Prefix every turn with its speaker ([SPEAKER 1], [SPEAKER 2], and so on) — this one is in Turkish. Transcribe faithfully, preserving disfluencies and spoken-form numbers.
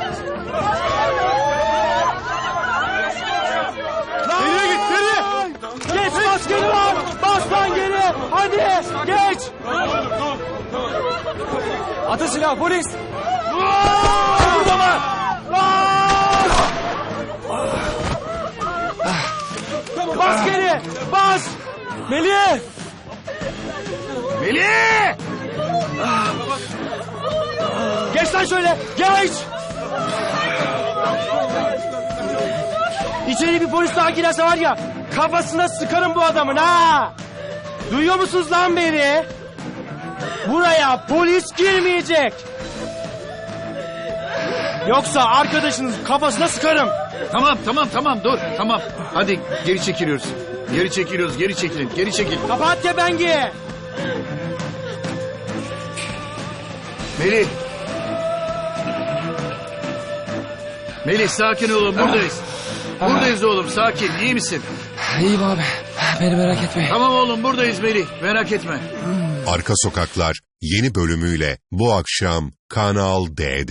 [SPEAKER 1] Geriye git, geriye! Geç, bas geri var! Bas lan geri! Hadi, geç! Atın silah, polis! Burada Bas geri! Bas! Melih!
[SPEAKER 2] Melih!
[SPEAKER 1] Geç lan şöyle! Geç! İçeri bir polis daha girerse var ya, kafasına sıkarım bu adamın ha! Duyuyor musunuz lan beni? Buraya polis girmeyecek! Yoksa arkadaşınız kafasına sıkarım!
[SPEAKER 2] Tamam tamam tamam dur tamam. Hadi geri çekiliyoruz. Geri çekiliyoruz geri çekilin geri çekil.
[SPEAKER 1] Kapat kepengi!
[SPEAKER 2] Melih. Melih sakin olun buradayız. Buradayız oğlum sakin iyi misin?
[SPEAKER 1] İyiyim abi. Beni merak etmeyin.
[SPEAKER 2] Tamam oğlum buradayız Melih merak etme.
[SPEAKER 3] Arka Sokaklar yeni bölümüyle bu akşam Kanal D'de.